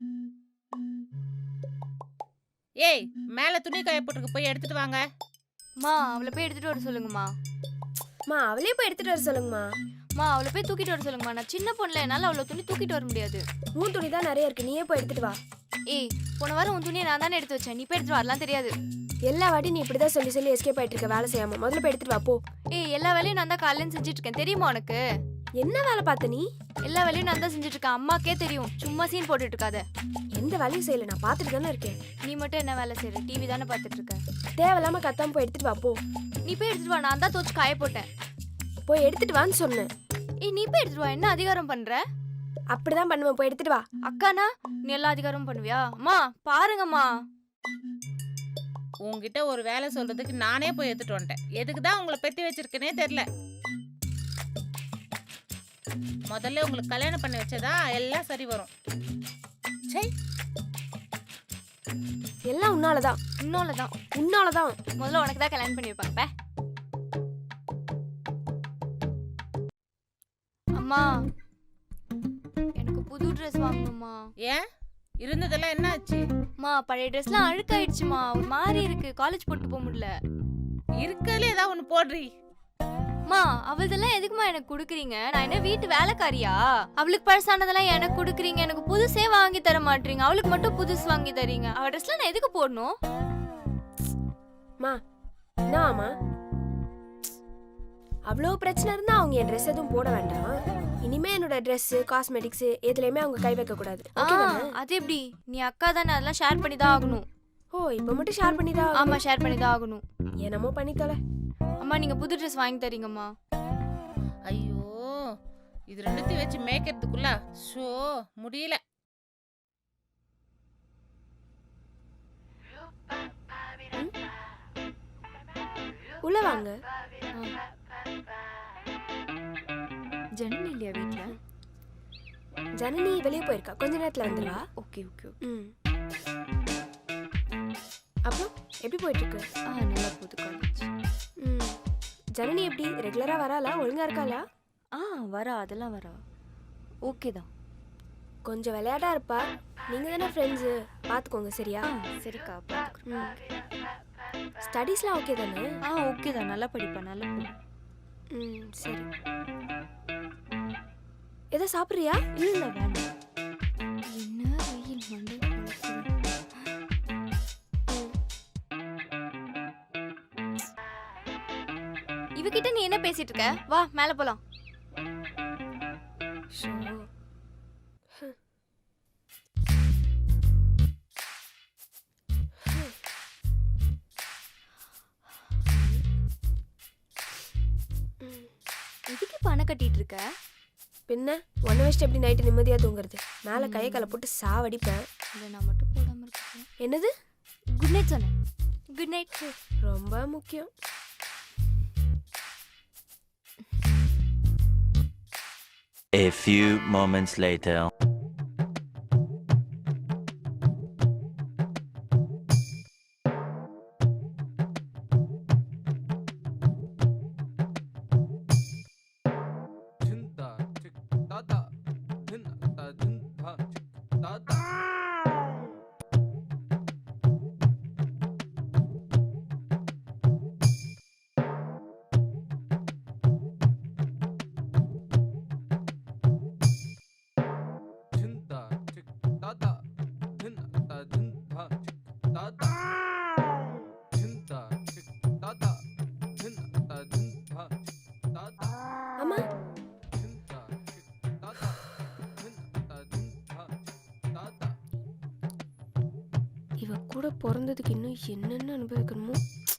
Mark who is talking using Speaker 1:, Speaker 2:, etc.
Speaker 1: ஏய், மேல துணி காய போட்டுருக்கு, போய் எடுத்துட்டு வாங்க.
Speaker 2: மா அவளை போய் எடுத்துட்டு வர சொல்லுங்கம்மா.
Speaker 3: மா அவளே போய் எடுத்துட்டு வர சொல்லுங்கம்மா.
Speaker 2: மா அவளை போய் தூக்கிட்டு வர சொல்லுங்கம்மா. நான் சின்ன பொண்ணுல என்னால அவ்வளோ துணி தூக்கிட்டு வர முடியாது.
Speaker 3: உன் துணி தான் நிறைய இருக்கு, நீயே போய் எடுத்துட்டு வா.
Speaker 2: ஏய், போன வாரம் உன் துணியை நான் தானே எடுத்து வச்சேன். நீ போய் எடுத்துட்டு வரலாம் தெரியாது.
Speaker 3: எல்லா வாட்டி நீ இப்படிதான் சொல்லி சொல்லி எஸ்கேப் ஆயிட்டு இருக்க, வேலை செய்யாம. முதல்ல போய் எடுத்துட்டு வா போ.
Speaker 2: ஏய், எல்லா வேலையும் நான் தான் காலையில செஞ்சுட்டு இருக்கேன், தெரியுமா உனக்கு?
Speaker 3: என்ன வேலை பார்த்த நீ?
Speaker 2: எல்லா வேலையும் நான் தான் செஞ்சுட்டு இருக்கேன், அம்மாக்கே தெரியும். சும்மா சீன் போட்டுட்டு இருக்காத.
Speaker 3: எந்த வேலையும் செய்யல, நான் பார்த்துட்டு தானே இருக்கேன்.
Speaker 2: நீ மட்டும் என்ன வேலை செய்யற? டிவி தானே பார்த்துட்டு இருக்க.
Speaker 3: தேவையில்லாம கத்தாம போய் எடுத்துட்டு வா போ.
Speaker 2: நீ போய் எடுத்துட்டு வா, நான் தான் தோச்சு காய போட்டேன்.
Speaker 3: போய் எடுத்துட்டு வான்னு சொன்னேன்.
Speaker 2: ஏய், நீ போய் எடுத்துட்டு வா. என்ன அதிகாரம் பண்ற?
Speaker 3: அப்படிதான் பண்ணுவேன், போய் எடுத்துட்டு வா.
Speaker 2: அக்கானா நீ எல்லா அதிகாரமும் பண்ணுவியா? அம்மா பாருங்கம்மா.
Speaker 1: உங்ககிட்ட ஒரு வேலை சொல்றதுக்கு நானே போய் எடுத்துட்டு வந்துட்டேன். எதுக்கு தான் உங்களை பெத்தி வச்சிருக்கேனே தெரியல. முதல்ல உங்களுக்கு கல்யாணம் பண்ணி வச்சதா எல்லாம் சரி வரும். சை,
Speaker 3: எல்லாம் உன்னாலதான்,
Speaker 2: இன்னொல்லதான்.
Speaker 3: உன்னாலதான்.
Speaker 2: முதல்ல உனக்கு தான் கல்யாணம் பண்ணி வைப்பாங்க. அம்மா, எனக்கு புது ட்ரெஸ் வாங்கணுமா?
Speaker 1: ஏன் இருந்ததெல்லாம் என்ன ஆச்சு?
Speaker 2: அம்மா, பழைய ட்ரெஸ்லாம் அழுக்காயிடுச்சுமா. ஒரு மாதிரி இருக்கு, காலேஜ் போட்டு போக முடியல.
Speaker 1: இருக்கதுல ஏதாவது ஒண்ணு போடுறீ.
Speaker 2: அம்மா, அவள்தெல்லாம் எதுக்குமா எனக்கு குடுக்குறீங்க? நான் என்ன வீட்டு வேலைக்காரியா? அவளுக்கு பழசானதெல்லாம் எனக்கு குடுக்குறீங்க, எனக்கு புதுசே வாங்கி தர மாட்டீங்க. அவளுக்கு மட்டும் புதுசு வாங்கி தரீங்க. அவ ட்ரெஸ்லாம் நான் எதுக்கு போடணும்?
Speaker 3: மா என்னம்மா, அவ்வளோ பிரச்சனை இருந்தா அவங்க என் ட்ரெஸ் எதுவும் போட வேண்டாம். இனிமே என்னோட ட்ரெஸ், காஸ்மெட்டிக்ஸ் எதுலையுமே அவங்க கை வைக்க கூடாது.
Speaker 2: அது எப்படி? நீ அக்கா தானே, அதெல்லாம் ஷேர் பண்ணி தான் ஆகணும்.
Speaker 3: ஓ, இப்போ மட்டும் ஷேர் பண்ணி தான்?
Speaker 2: ஆமா, ஷேர் பண்ணி தான் ஆகணும்.
Speaker 3: என்னமோ பண்ணி தொலை.
Speaker 2: அம்மா, நீங்க புது ட்ரெஸ் வாங்கி தரீங்கம்மா.
Speaker 1: ஐயோ, இது ரெண்டுத்தையும் வச்சு மேய்க்கிறதுக்குள்ள ஷோ முடியல.
Speaker 3: உள்ள வாங்க.
Speaker 2: ஜனனி இல்லையா வீட்ல?
Speaker 3: ஜனனி வெளியே போயிருக்கா, கொஞ்ச நேரத்துல வந்துடுவா.
Speaker 2: Okay okay.
Speaker 3: அப்புறம் எப்படி போயிட்டு இருக்கு?
Speaker 2: நல்லா போகுது காலேஜ்.
Speaker 3: ஜனனி எப்படி ரெகுலரா வராளா? ஒழுங்கா இருக்காளா?
Speaker 2: வரா, அதெல்லாம் வரா. ஓகே தான்.
Speaker 3: கொஞ்சம் விளையாட்டா இருப்பா. நீங்க தானே ஃப்ரெண்ட்ஸு, பார்த்துக்கோங்க சரியா?
Speaker 2: சரிக்கா, பார்த்துக்கிறேன்.
Speaker 3: ஸ்டடீஸ்லாம் ஓகே தானே?
Speaker 2: ஓகே தான், நல்லா படிப்பேன், நல்லா போகும்.
Speaker 3: சரி. எதை சாப்பிட்றியா?
Speaker 2: இல்லை வேண்டாம். என்ன வெயில் மண்டை குழப்புது. இவகிட்ட நீ என்ன பேசிட்டு இருக்க? வா மேலே போலாம். எதுக்கு பணம் கட்டிட்டு இருக்க?
Speaker 3: பின்ன ஒன்றை வச்சுட்டு எப்படி நைட்டு நிம்மதியாக தூங்குறது? மேலே கையை காலை போட்டு சாவடிப்பேன்.
Speaker 2: இல்லை, நான் மட்டும் போடாமல் இருக்கேன்.
Speaker 3: என்னது?
Speaker 2: குட் நைட் சொன்னேன். Good night.
Speaker 3: ரொம்ப முக்கியம்.
Speaker 4: A few moments later.
Speaker 3: அம்மா, இவ கூட பிறந்ததுக்கு இன்னும் என்னென்ன அனுபவிக்கணுமோ.